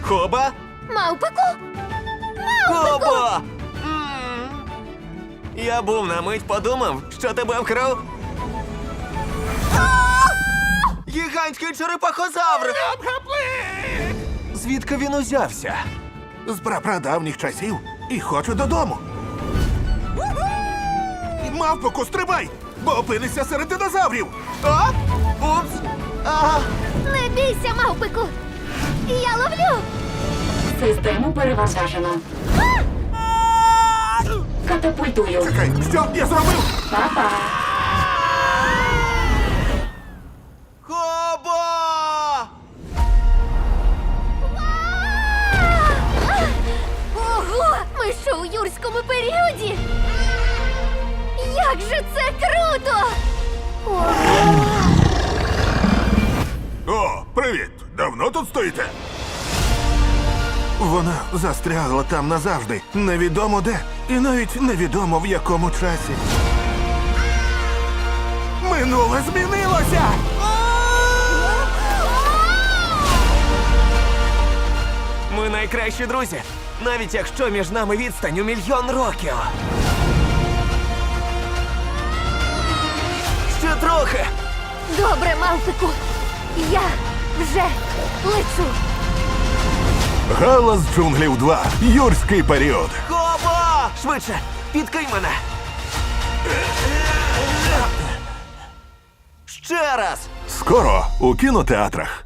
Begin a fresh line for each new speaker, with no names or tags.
Хоба?
Мавпику?
Хоба! Я був на мить подумав, що тебе вкрав. Гігантський черепахозавр! Звідки він узявся?
З прапрадавніх часів і хочу додому. Мавпоку, стрибай, бо опинишся серед динозаврів.
А? Упс! Ага.
Не бійся, мавпику! Я ловлю!
Систему перевантажено. Катапультую.
Чекай, що я зробив?
Па-па.
Хоба!
Ого! Ми що у юрському періоді? Як же це круто! Ого!
О, привіт! Давно тут стоїте? Вона застрягла там назавжди. Невідомо де. І навіть невідомо в якому часі. Минуле змінилося!
Ми найкращі друзі, навіть якщо між нами відстань у 1 000 000 років. Ще трохи.
Добре, мавпику! Я вже лечу!
Галас джунглів 2. Юрський період.
Хоба! Швидше, підкинь мене. Ще раз.
Скоро у кінотеатрах.